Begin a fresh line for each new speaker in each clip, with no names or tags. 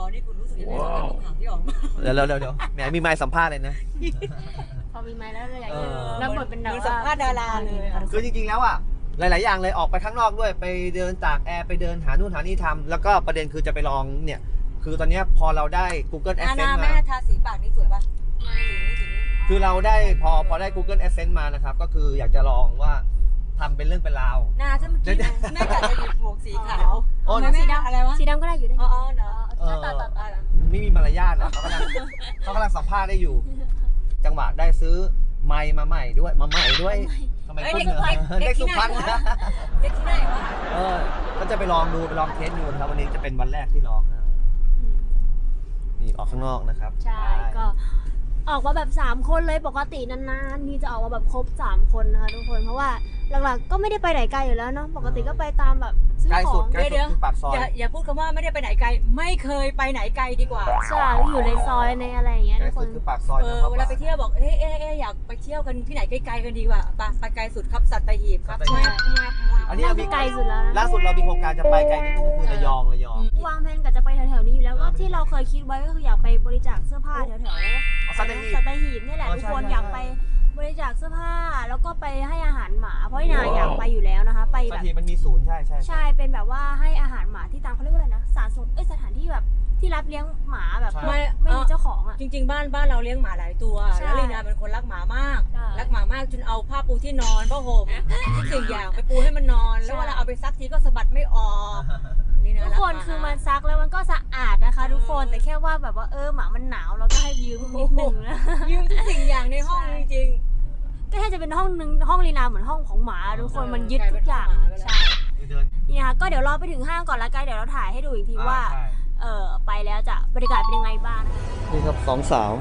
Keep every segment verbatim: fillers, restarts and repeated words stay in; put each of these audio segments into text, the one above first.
นี่คุณรู้สึกยังไงกับข่าวที่ออกมา
เดี๋ยวเดี๋ยวเดี๋ยวแหมมีไมค์สัมภาษณ์เลยนะ
พอมีไมค์แล้วเลยอยากรับบทเป็นดารา
สัมภาษณ์ดาราเลย
คือจริงๆแล้วอ่ะหลายๆอย่างเลยออกไปข้างนอกด้วยไปเดินตากแอร์ไปเดินหานู่นหานี่ทำแล้วก็ประเด็นคือจะไปลองเนี่ยคือตอนนี้พอเราได้ Google
อา
Adsense
ณา
มา
แม่ทาสีปากนี่สวยป่ะสีนี้สีนี้
คือเราได้พอพอได้ Google Adsense มานะครับก็คืออยากจะลองว่าทำเป็นเรื่องเป็นราว
หน้าถ้าเมื่อกี้แม่กะจะหยิบหมวกสีขาว
โอ้
สีดำอะไรวะ
สีดำก็ได้อยู่ได้
อ๋อเนาะ
ต่อต่อต่อ
ไม่มีมารยาทนะเขากำลังเขากำลังสัมภาษณ์ได้อยู่จังหวะได้ซื้อไมค์มาใหม่ด้วยมาใหม่ด้วยทำไมคุณเด็กสุพรรณนะ
เด็กที่ไหนวะ
เออก็จะไปลองดูไปลองเทสดูนะครับวันนี้จะเป็นวันแรกที่ลองนะนี่ออกข้างนอกนะครับ
ใช่ก็ออกมาแบบสามคนเลยปกตินานๆนี่จะออกมาแบบครบสามคนนะคะทุกคนเพราะว่าหลักๆก็ไม่ได้ไปไหนไกลอยู่แล้วเนาะปกติก็ไปตามแบบซื้อของ
ใกล้สุดคือปากซอย
อย่าอย่าพูดคำว่าไม่ได้ไปไหนไกลไม่เคยไปไหนไกลดีกว่า
ใช่อยู่ในซอยในอะไรอย่างเงี้ยทุกคน
คือปากซอย
เออเวลาไปเที่ยวบอกเอ๊ะเอ๊ะเอ๊ะอยากไปเที่ยวกันที่ไหนไกลๆกันดีกว่าไปไปไกลสุดครับสัตหีบครับ
อันนี้เรามี
ไกลสุดแล้วนะ
ล่าสุดเรามีโครงการจะไปไกลนิดนึงก็คือระยองระยอง
วางแผนกับจะไปแถวๆนี้อยู่แล้วก็ที่เราเคยคิดไว้ก็คืออยากไปบริจาคเสื้อผ้าแถวๆ
สัตหีบ
สัตหีบนี่แหละทุกคนอยากไปบริจาคเสื้อผ้าแล้วก็ไปให้อาหารหมาเพราะนาอยากไปอยู่แล้วนะคะไปแบบ
สัตหีบมันมีศูนย์ใช่ใช่
ใช่เป็นแบบว่าให้อาหารหมาที่ตามเขาเรียกว่าอะไรนะสถานสงเอ้ยสถานที่แบบที่รับเลี้ยงหมาแบบไม่ไม่มีเจ้าของอ่ะ
จริงๆบ้านบ้านเราเลี้ยงหมาหลายตัวแล้วลีนาเป็นคนรักหมามากรักหมามากจนเอาผ้าปูที่นอนผ้าห่มทุกสิ่งอย่างไปปูให้มันนอนแล้วเวลาเอาไปซักทีก็สะบัดไม่ออก
ทุกคนคือมันซักแล้วมันก็สะอาดนะคะทุกคนแต่แค่ว่าแบบว่าเออหมามันหนาวเราก็ให้ยืมนิดนึงนะ
ยืมทุกสิ่งอย่างในห้องจริง
ก็แค่จะเป็นห้องนึงห้องลีนาเหมือนห้องของหมาทุกคนมันยึดทุกอย่างใช่นี่ค่ะก็เดี๋ยวรอไปถึงห้างก่อนละกันเดี๋ยวเราถ่ายให้ดูอีกทีว่าเออไปแล้วจะบรรยากาศเป็นยังไงบ้าง
นี่ครับสองสาว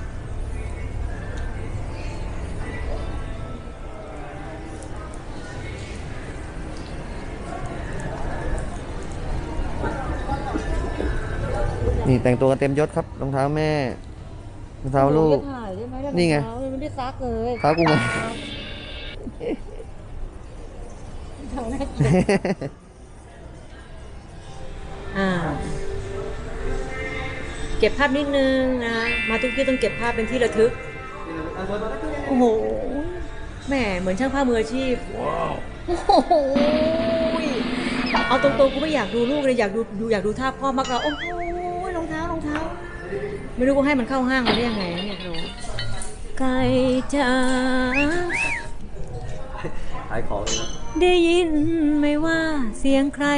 นี่แต่งตัวกันเต็มยศครับรองเท้าแม่รองเท้าลูกนี่ไง
ไม่ได้ซักเลย
เท้ากูไง
อ่าเก็บภาพนิดนึงนะมาทุกที่ต้องเก็บภาพเป็นที่ระทึกโอ้โหแม่เหมือนช่างภาพมืออาชีพโอ้โหเอาตรงๆกูไม่อยากดูลูกเลยอยากดูดูอยากดูท่าพ่อมากกว่าโอ้โหรองเท้ารองเท้าไม่รู้กูให้มันเข้าห้างมาได้ยังไงเนี่ยเราไก่จ๋า
ขายของเลยนะ
ได้ยินไหมว่าเสียงใคร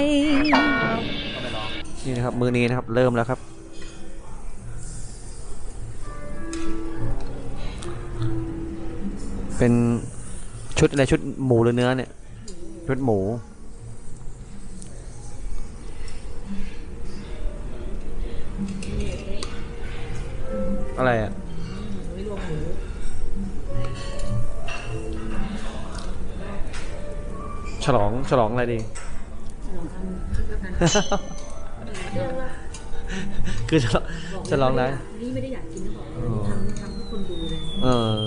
นี่นะครับมือนี้นะครับเริ่มแล้วครับเป็นชุดอะไรชุดหมูหรือเนื้อเนี่ยชุดหมูอะไรอ่ะฉลองฉลองอะไรดีคือฉลองฉลองอะไร
นี่ไม่ได้อยากกินนะบอกทำทำให้คนดูเลย
เออ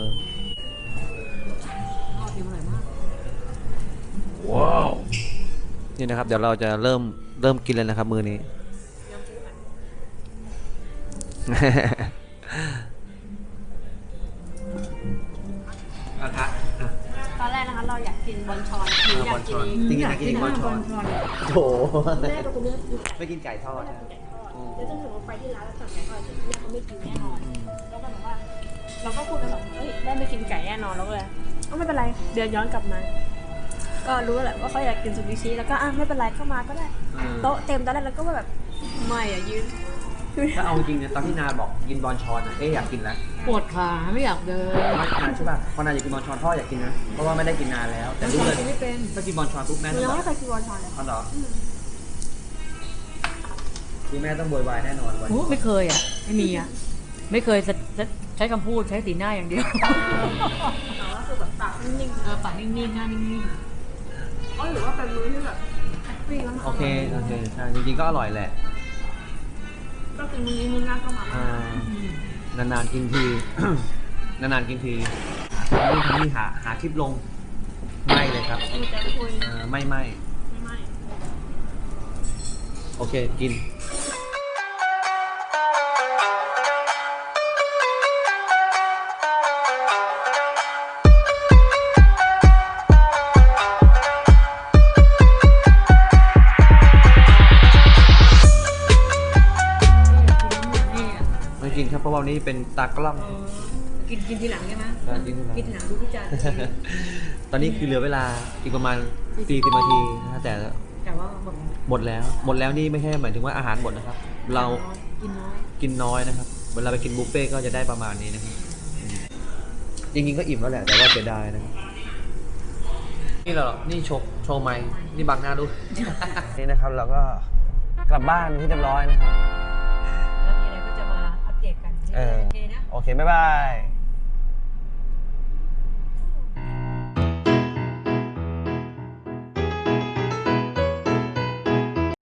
ชอบกินอร่อยมาก
ว้าวนี่นะครับเดี๋ยวเราจะเริ่มเริ่มกินเลยนะครับมือนี้
ตอนแรกนะคะเราอยากกินบอนชอนคืออยากกิน
จริงๆอยากกินบอนชอนโอ้โหแม่ตัวเลือกไม่กินไก่ทอด
แล้วจนถึงเราไปที่ร้านแล้วสั่งไก่ทอดแม่เขาไม่กินแน่นอนแล้วก็แบบว่าเราก็พูดกันแบบเฮ้ยแม่ไม่กินไก่แน่นอนแล้วเลยก็ไม่เป็นไรเดินย้อนกลับมาก็รู้แหละว่าเขาอยากกินซูชิแล้วก็อ่ะไม่เป็นไรเข้ามาก็ได้โต๊ะเต็มตอนแรกแล้วก็แบบไม่อ่ะยืน
ถ้าเอาจริงเนี่ยตอนที่นาบอกกินบอนชอนอ่ะเอ๊ะอยากกินแล้ว
ปวดขาไม่อยากเดิน
ไม่นาใช่ป่ะพอนาอยากกินบอนชอนพ่ออยากกินนะเพราะว่าไม่ได้กินนานแล้วแต่รู้เลย
ไม่เป็น
ถ้ากินบอนชอนปุ๊บแม่
ต้องยังไม่เคยกินบอนชอนเลย
อ๋อเหรอคือแม่ต้องโวยวายแน่นอนวัน
ไม่เคยอ่ะไม่มีอ่ะไม่เคยใช้คำพูดใช้สีหน้าอย่างเดียว
ก็คือแบบปากนิ่งๆ
เออปากนิ่งๆหน้านิ่ง
ๆอ๋อหรือว่าเป็นมื้อที่แบบแฮปปี้
โอเคโอเคใช่จริงๆก็อร่อยแหละ
ก็เป็นมื้อนี้มื้อหน้าก็ม
านานๆกินทีนานๆกินทีนี่ทำนี่หาหาคลิปลงไม่เลยครับไม่ไม่โอเคกินกินครับเพราะว่าวันนี้เป็นตากล้อง
เออกินกินทีหลังใช่ไหม
ใช่กินทีหลัง
กินทีหลังดูพี่จาน
ตอนนี้คือเหลือเวลาอีกประมาณสี่สิบนาทีนะแต่
แต่ว่าแบบ
หมดแล้วหมดแล้วนี่ไม่ใช่หมายถึงว่าอาหารหมดนะครับ เรา
กินน้อย
กินน้อยนะครับเวลาไปกินบุฟเฟ่ต์ก็จะได้ประมาณนี้นะครับอืมจริงๆก็อิ่มแล้วแหละแต่ว่าเสียดายนะครับนี่เหรอนี่โชว์โชว์ไม้นี่บังหน้าดู นี่นะครับเราก็กลับบ้านที่เรียบร้อยนะครับ
แล้วมีอะไรก็จะมาอัปเดตกัน
เออ
โอเคนะ
โอเคบ๊ายบาย